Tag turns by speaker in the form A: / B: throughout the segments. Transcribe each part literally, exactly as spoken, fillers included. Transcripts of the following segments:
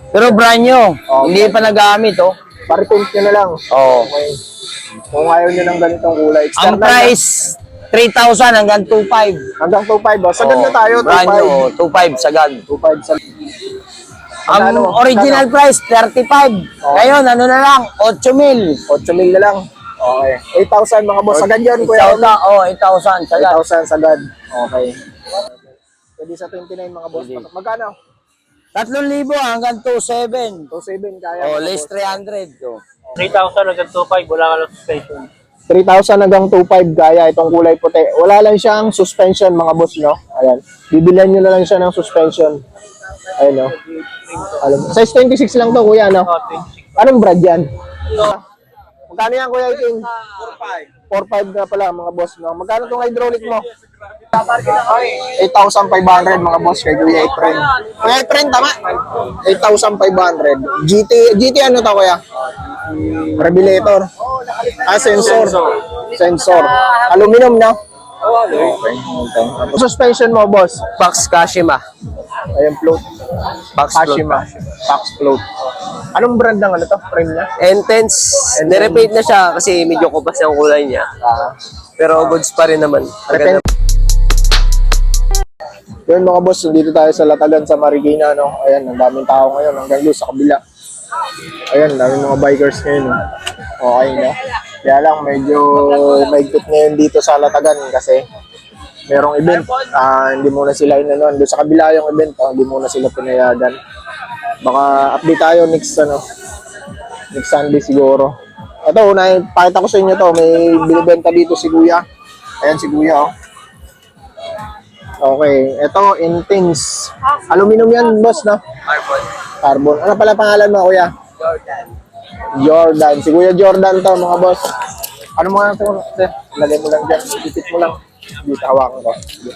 A: Pero brand new.
B: Oh,
A: Hindi pa nagamit, oh.
B: Pare-paint nyo na lang.
A: Oo.
B: Okay. Kung ayaw nyo ng ganitong kulay.
A: Ang
B: External
A: price, three thousand hanggang two five.
B: na. Hanggang two five. Oh. Sagad
A: Oo,
B: na tayo,
A: brand new,
B: two five.
A: oh, two five sagad.
B: two five sa...
A: Ang
B: Magkano?
A: original
B: Magkano?
A: price, thirty-five.
B: Oh.
A: Ngayon, ano na lang, eight mil.
B: eight mil na lang. Okay. eight thousand mga boss. Sagad yun,
A: eight
B: kuya.
A: thousand, oh, eight thousand
B: eight
A: sagad.
B: thousand sagad. Okay. Pwede sa twenty-nine mga boss. Magkano?
A: three thousand hanggang two seven.
B: two seven kaya.
A: Oh,
B: mga
A: less
B: boss.
A: three hundred. Oh.
C: three thousand hanggang two five, wala ka lang suspension.
B: three thousand hanggang two five kaya itong kulay puti. Wala lang siyang suspension mga boss, no? Ayan. Bibilihan nyo na lang siya ng suspension. Ayan, no? Alam, size twenty-six lang to, kuya, no?
C: Oh, twenty-six.
B: Anong brand yan? Magkano yan, kuya King? four five na pala, mga boss, no? Magkano itong hydraulic mo? eight thousand five hundred mga boss kay Kuya Efren. Kuya Efren, tama? eight thousand five hundred. G T, G T ano to, kuya? Revelator. Ah, sensor. Sensor. Aluminum, no? Okay. Okay. Suspension mo, boss?
A: Pax Kashima.
B: Ayan, float.
A: Pax float.
B: Kashima. Pax float. Anong brand ng ano to? Frame niya?
A: Intense. Nirepaint na siya kasi medyo kupas yung kulay niya.
B: Ah.
A: Pero goods pa rin naman.
B: Repent. Yun mga boss, dito tayo sa Latagan sa Marikina, no? Ayan, ang daming tao ngayon hanggang doon sa kabila. Ayan, daming mga bikers ngayon, no? Okay, no? Kaya lang, medyo maigpit ngayon dito sa Latagan kasi merong event. Ah, hindi muna sila inanuan. Doon sa kabila yung event, ah, hindi muna sila pinayagan. Baka update tayo next, ano, next Sunday siguro. Ito, unay, pakita ko sa inyo to. May binibenta dito si Kuya. Ayan si Kuya, oh. Okay, ito, Intense. Aluminum yan, boss, no?
A: Carbon.
B: Carbon. Ano pala pangalan mo, Kuya?
A: Jordan.
B: Jordan. Si Kuya Jordan to, mga boss. Ano mo nga ito? Lagay mo lang dyan. Ipit mo lang. Dito, hawakan ko. Sige.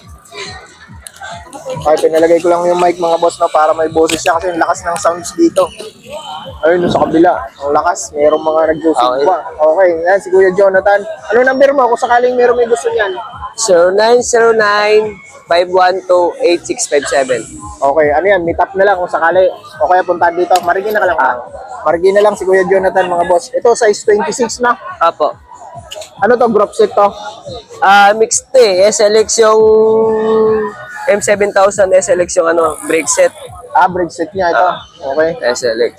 B: Okay, pinalagay ko lang yung mic, mga boss, no, para may boses siya kasi yung lakas ng sounds dito. Ayun, sa kabila. Ang lakas. Mayroong mga nag-feedback. Okay. Okay, yan, si Kuya Jonathan. Ano number mo kung sakaling mayroong may gusto niyan?
A: zero nine zero nine, five one two, eight six five seven.
B: Okay, ano yan, meet up na lang kung sakali. O kaya puntahan dito. Marigin na ka lang. Ah. Marigin na lang si Kuya Jonathan, mga boss. Ito, size twenty-six na.
A: Apo.
B: Ano to, group set to?
A: Ah, mixed eh. S L X yung M seven thousand, S L X yung ano, brake set.
B: Ah, brake set niya ito. Okay.
A: S L X.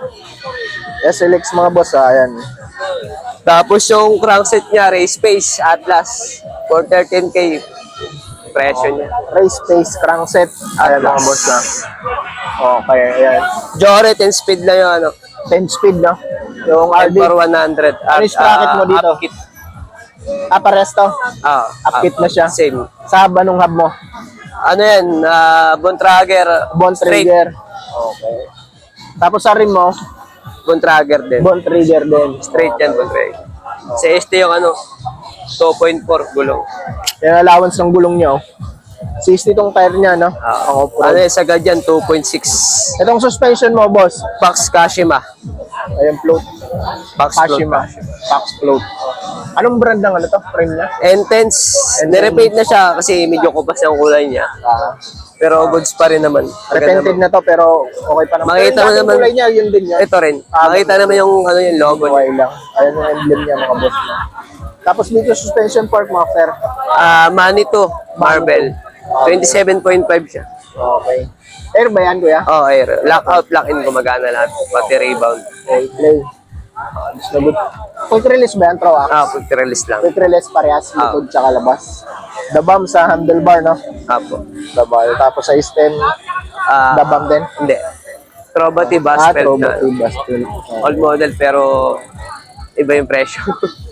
B: S L X, mga boss, ah, ayan.
A: Tapos yung crankset niya, Race Pace Atlas for thirteen K. Presyo niya.
B: Race Pace crankset. Ayan, mga boss, ah. Okay, ayan.
A: Jory ten speed lang yung ano.
B: ten speed, no? Yung R
A: R
B: D.
A: D one hundred.
B: Ano yung sprocket mo dito?
A: Upkit.
B: Ah, pares to.
A: Ah,
B: Upkit na siya.
A: Same.
B: Sa anong hub mo?
A: Ano yan? Uh, Bontrager.
B: Bond
A: Straight.
B: trigger. Okay. Tapos sa rim mo,
A: Bontrager din.
B: bond trigger din.
A: Straight yan, Bontrager. Sa S T yung ano, two point four gulong.
B: Yung allowance ng gulong niya, oh. sixty tong tire niya, no?
A: Ah,
B: Ang off-road.
A: ano yung sagad yan, two point six.
B: Itong suspension mo, boss.
A: Pax Kashima.
B: Ayan, float.
A: Pax
B: Kashima. Pax float. Anong brand ng ano to? Frame niya?
A: Intense. Nirepaint na siya kasi medyo kupas yung kulay niya.
B: Ah.
A: Pero goods pa rin naman.
B: Repented na to, pero okay pa naman.
A: Makita
B: Pero
A: mo
B: yung
A: naman.
B: kulay niya, yun din yan.
A: Ito rin. Makita naman yung ano yung logo niya.
B: Okay lang. Ayan yung emblem niya, mga boss. Tapos dito, suspension fork mo, sir.
A: Ah, Manito Marble. twenty-seven point five siya.
B: Okay. Air ba yan, kuya?
A: Oh, air. Lockout, lock-in, gumagana lahat. Pati rebound.
B: Okay, play. Ah, gusto good. Quick release ba yan, Tro? Ah?
A: Ah, pag release lang.
B: Quick release parehas,
A: Ah.
B: likod tsaka labas. Dabam sa handlebar, no?
A: Apo.
B: Dabal. Tapos sa stem,
A: Ah,
B: dabam din.
A: Hindi. Trobati
B: Ah,
A: Basfeld
B: Trobo
A: na.
B: two Bastel. Okay.
A: Old model pero iba yung presyo.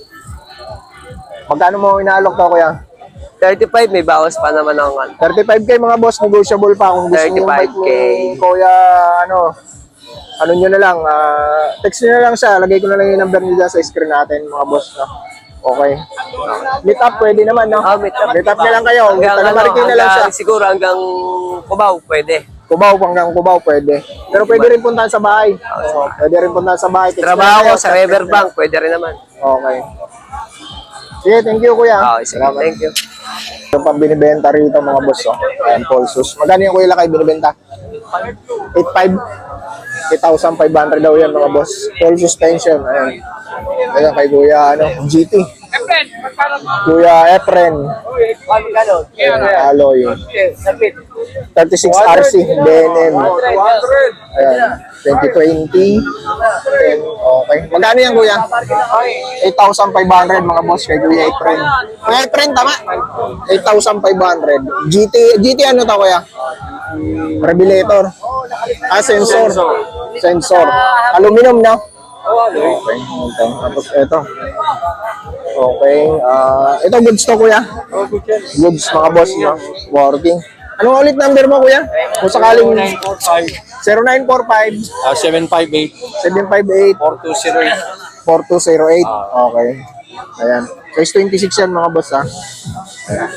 B: Magkano mo inaalok to, kuya?
A: thirty-five, may bawas pa naman ang ano.
B: thirty-five K mga boss, negotiable pa kung gusto niyo yung bike
A: thirty-five K.
B: ni Kuya, ano, ano nyo na lang, ah, text nyo na lang siya, lagay ko na lang yung number niya sa screen natin, mga boss, no? Okay. Meet up, pwede naman, no?
A: Oh, meet up.
B: Meet up na lang kayo,
A: Hanggang,
B: taga
A: ano,
B: Marikina lang siya.
A: hanggang, siguro hanggang Cubao, pwede.
B: Cubao, hanggang Cubao, pwede. Pero pwede rin puntahan sa bahay. Oo, pwede rin puntahan sa bahay. Text na lang
A: Trabaho
B: kayo,
A: ko sa Riverbank, pwede rin naman.
B: Okay. Sige, thank you, kuya.
A: Okay, sige. Thank you.
B: Yung pang binibenta rito, mga boss, oh. Ayan, Polsus. Magkano yung kuya lakay binibenta? eight five. eight thousand five hundred daw yan mga boss. Full suspension. Ayan. Ayan kay Kuya ano, G T. Kuya Efren. Ayan, alloy. thirty-six R C, B N M. Ayan, twenty twenty. Okay. Magkano yan, Kuya? eight thousand five hundred mga boss kay Kuya Efren. Kuya Efren, tama? eight thousand five hundred. G T, G T ano to, Kuya? Revelator. Ah, sensor. Sensor. Aluminum, no? Okay. Okay. Tapos ito. Okay. Ah, ito goods to, Kuya. Goods mga boss, no? Working. Anong ulit number mo, Kuya? Kung sakaling zero nine four five
C: Uh, seven five eight,
B: seven five eight
C: four two zero eight.
B: four two zero eight. Okay. Ayan. Size twenty-six yan mga boss, ha? Ayan.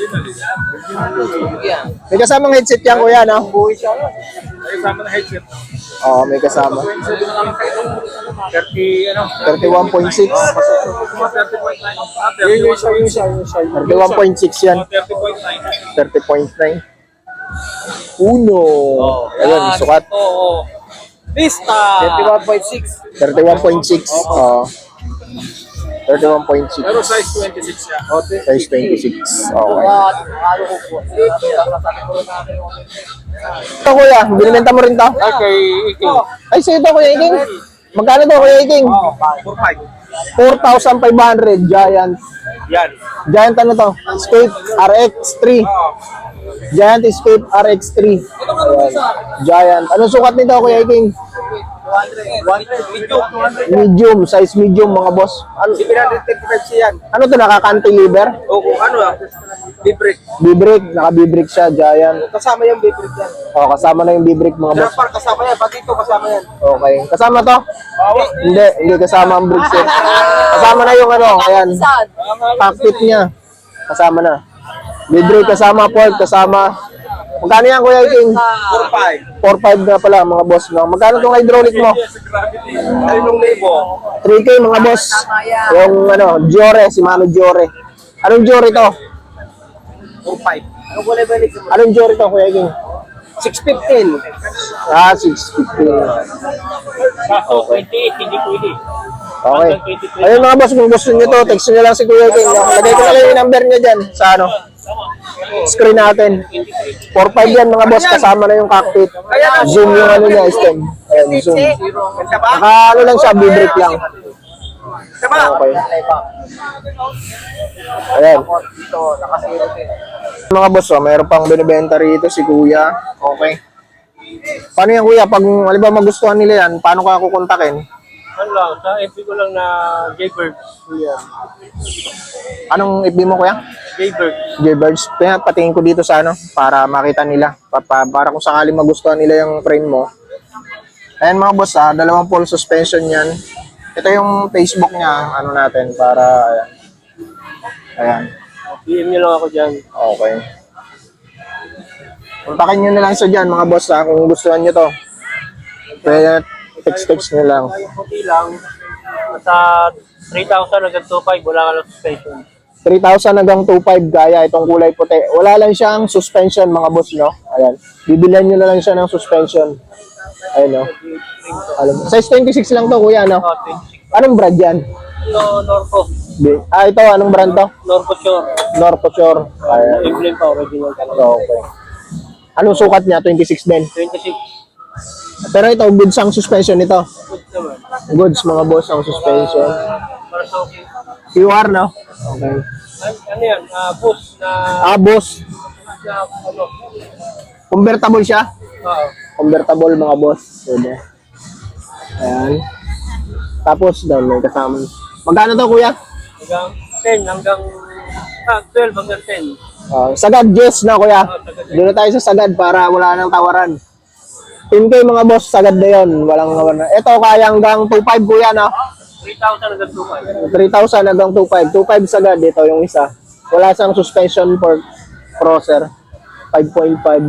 B: May kasamang headset yan, Kuya, no?
C: Kasama na headset.
B: Oo, may kasama.
C: thirty, ano?
B: thirty-one point six.
C: Yun yung isa, yung isa, yung isa.
B: thirty-one point six yan.
C: thirty point nine.
B: thirty point nine. Uno. Ayun, sukat.
C: Oo. Vista! thirty-one point six.
B: thirty-one point six. Oo. thirty-one point six.
C: Pero size twenty-six siya.
B: Size twenty-six. Okay. Ito, Kuya. Binibenta mo rin to?
C: Okay, ikaw.
B: Ay, sa'yo to, Kuya Iking. Magkano to, Kuya Iking?
C: four five.
B: four thousand five hundred. Giant.
C: Yan.
B: Giant ano to? Escape R X three. Giant Escape R X three. Ayan. Giant. Anong sukat nito, Kuya Iking? Medium. Size medium, mga boss. Ano,
C: seven thirty-five siya yan.
B: ano to, nakaka-cantilever?
C: Oo, ano ah? B-brake.
B: B-brake. Naka-B-brake siya, Giant.
C: Kasama yung B-brake yan.
B: O, kasama na yung B-brake, mga boss.
C: Parang kasama yan. Pati ito kasama yan.
B: Okay. Kasama to? Hindi, hindi kasama ang brake set. Kasama na yung ano, ayan. Cockpit niya. Kasama na. B-brake kasama, port kasama. Magkano yan, Kuya Iking?
C: four five.
B: four five na pala, mga boss. No? Magkano tong hydraulic mo?
C: Talinong libo.
B: three K, mga boss. Yung ano, Giore, si Mano Giore. Anong Giore to?
C: four five. Ano ko level ito?
B: Anong Giore to, Kuya Iking?
C: six fifteen.
B: Ah, six fifteen.
C: Kaso, twenty-eight, hindi pwede.
B: Okay. Ayun mga boss, kung gusto niyo to, text niyo lang si Kuya Iking. No? Lagay ko na lang yung number niya dyan sa ano, screen natin. four five yan mga boss, kasama na yung cockpit. Zoom yung ano niya, stem. Ayan, zoom. Naka ano lang siya, B-brake lang. Okay. Ayan. Mga boss, oh, mayroon pang binibenta rito si Kuya. Okay. Paano yan, Kuya? Pag halimbawa magustuhan nila yan, paano ka kukontakin?
C: Ano lang, sa F B ko lang na Jaybird. Kuya.
B: Anong F B mo, Kuya?
C: Jaybird.
B: Jaybirds. Kaya patingin ko dito sa ano, para makita nila. Pa, para kung sakali magustuhan nila yung frame mo. Ayan mga boss, ah, dalawang full suspension yan. Ito yung Facebook niya, ano natin, para, ayan. Ayan.
C: P M nyo lang ako dyan.
B: Okay. Kontakin nyo na lang sa dyan, mga boss, ah, kung gustuhan nyo to. Kaya, text-text nyo lang.
C: Yung puti lang, sa three thousand hanggang two five, wala ka lang suspension.
B: three thousand hanggang two five gaya itong kulay puti. Wala lang siyang suspension, mga boss, no? Ayan. Bibilihan nyo na lang siya ng suspension. Ayun, no? Alam mo. Size twenty-six lang to, Kuya, no?
C: Oh, twenty-six.
B: Anong brand yan?
C: Ito, Norco.
B: Bi- Ah, ito, anong brand to?
C: Norco Shore.
B: Norcoshore. Ayan.
C: Emblem pa, original talaga.
B: Okay. Anong sukat niya? twenty-six din.
C: twenty-six.
B: Pero ito, goods ang suspension nito.
C: Good naman.
B: Goods, mga boss, ang suspension.
C: Para sa okay.
B: Q R, no? Okay.
C: Ano, ano yan? Ah, boost na,
B: Ah, boss.
C: na ano?
B: Convertible siya?
C: Oo.
B: Convertible, mga boss. Pwede. Ayan. Tapos, down may kasama. Magkano to, Kuya?
C: Hanggang ten, hanggang ah, twelve hanggang ten.
B: Uh, sagad, yes na, Kuya. Doon na tayo sa sagad para wala nang tawaran. ten K, mga boss, sagad na yun. Walang tawaran. Ito, kaya hanggang two five, Kuya, no?
C: three thousand hanggang two five.
B: three thousand hanggang two five. two five sagad, ito yung isa. Wala siyang suspension for crosser. five point five.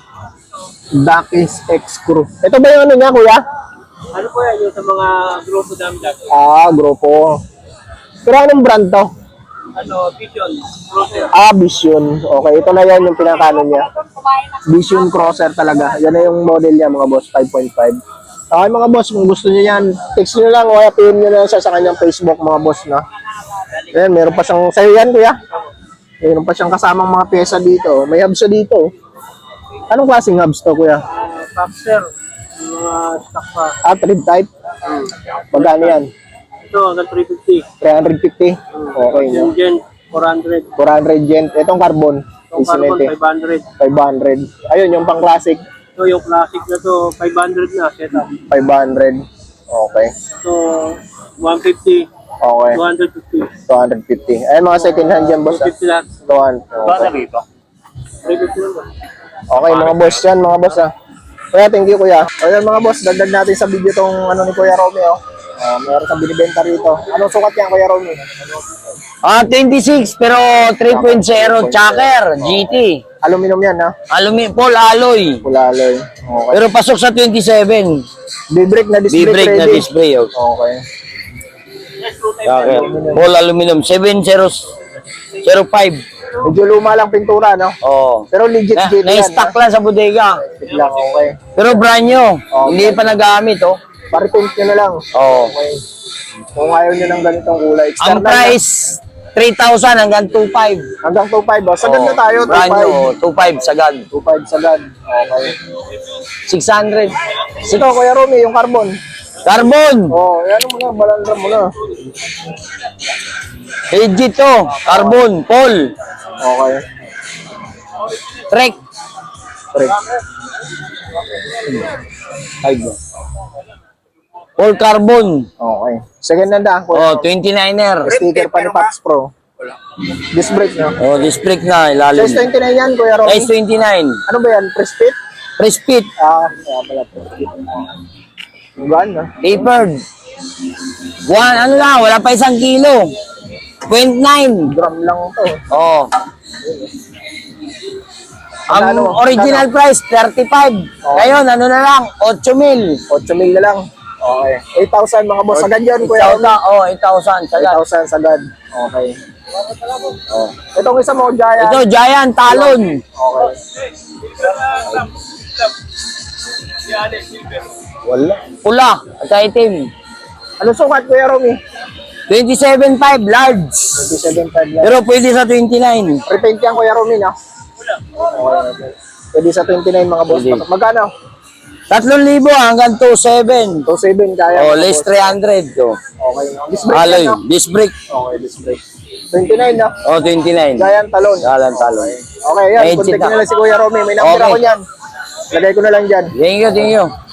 B: Dakis X Screw. Ito ba yung ano niya, Kuya?
C: Ano po yan yung sa mga grupo namin dati?
B: Ah, grupo. Pero anong brand to?
C: Ano, Vision, Cruiser.
B: Ah, Vision. Okay, ito na yan yung pinakano niya. Vision Crosser talaga. Yan na yung model niya, mga boss, five point five. Okay mga boss, kung gusto niyo yan, text niyo lang o kaya pin niyo lang siya sa kanyang Facebook mga boss, no? Ayan, meron pa siyang, sa'yo yan kuya? Meron pa siyang kasamang mga pyesa dito. May hubs siya dito. Anong klaseng hubs to kuya?
C: Uh, Boxer. Mga stock pa.
B: Ah, thread type? Magkano yan?
C: Ito, hanggang three fifty.
B: three fifty? Okay, no?
C: Yung Gen, four hundred.
B: four hundred gent. Itong carbon?
C: Yung carbon,
B: Isinete.
C: five hundred.
B: five hundred. Ayun, yung pang classic,
C: Ito, yung classic na to, five hundred na, setup.
B: five hundred. Okay.
C: So, one fifty.
B: Okay.
C: two hundred fifty.
B: two fifty. Ayun, mga second hand dyan, boss.
C: two fifty lahat.
B: two hundred. Okay.
C: three fifty lang ba?
B: Okay, mga boss yan, mga boss ah. Kuya, thank you kuya. Ayun mga boss, dagdag natin sa video tong ano ni Kuya Romeo. Uh, meron kang binibenta rito. Anong sukat yan, Kuya Romeo?
D: Ah, twenty-six pero three point oh Chakra G T.
B: Aluminum yan, ha?
D: Alumi Paul alloy.
B: Kulaloy. Okay.
D: Pero pasok sa twenty-seven.
B: B-brake na disc brake
D: B-brake na
B: ready.
D: display. Oh.
B: Okay.
D: Chakra. Paul aluminum seven zero zero five.
B: Medyo luma lang pintura, no?
D: Oh.
B: Pero legit
D: Na,
B: G T yan.
D: na-stock lang sa bodega.
B: Legit lang, okay.
D: Pero brand new.
B: Oh,
D: Hindi pa nagamit, oh.
B: Pare-paint nyo na lang.
D: Oh.
B: Okay. Kung ayaw nyo ng ganitong kulay.
D: Ang
B: External na.
D: price three thousand hanggang two five.
B: Hanggang two five, oh. Sagad na tayo, two
D: Brand
B: five.
D: new, two five sagad.
B: two five sagad. Okay.
D: six hundred.
B: Ito, Kuya Romy, yung carbon.
D: Carbon.
B: Oh, yan mo na, balandra mo na.
D: Legit to. Carbon. Paul.
B: Okay.
D: Trek.
B: Correct.
D: Five. Paul Carbon.
B: Okay. Second hand ah.
D: Oh, twenty-niner.
B: Sticker pa ni Pax Pro. Disc brake no?
D: Oh, disc brake na ilalim.
B: Size twenty-nine yan, Kuya Romy.
D: Size twenty-nine.
B: Ano ba yan? Press fit?
D: Press fit.
B: Ah, kaya pala press fit. Gaan na.
D: Tapered. One, ano lang, wala pa isang kilo. point nine.
B: Drum lang to.
D: Oh. Ang
B: Ano?
D: original price, thirty-five.
B: Oh.
D: Ngayon, ano na lang, eight mil.
B: eight mil na lang. Okay. eight thousand mga boss. Sagad yan, Kuya
D: eight
B: Romy.
D: thousand, oh, eight thousand.
B: eight
D: Sagad.
B: thousand sagad. Okay. Oh. Itong isa mo, Giant.
D: Ito, Giant Talon.
B: Okay. Wala.
D: Pula, at item.
B: Ano sukat, Kuya Romy?
D: twenty-seven five large.
B: twenty-seven five lang.
D: Pero pwede sa twenty-nine.
B: Repaint yan, Kuya Romy, no? Okay. Pwede sa twenty-nine mga boss.
D: Pwede.
B: Magkano?
D: Tatlong libo hanggang two seven.
B: two seven kaya.
D: Oh,
B: mga
D: less
B: boss.
D: three hundred. Oh.
B: Okay. Disc brake
D: Alloy,
B: yan, no?
D: disc brake.
B: Okay, disc brake. twenty-nine na.
D: Oh, twenty-nine.
B: Giant talon.
D: Giant Talon.
B: Okay, yan.
D: Medyo
B: Contact
D: na.
B: nyo na lang si Kuya Romy. May number
D: Okay.
B: ako niyan. Lagay ko na lang dyan.
D: Thank you, thank you.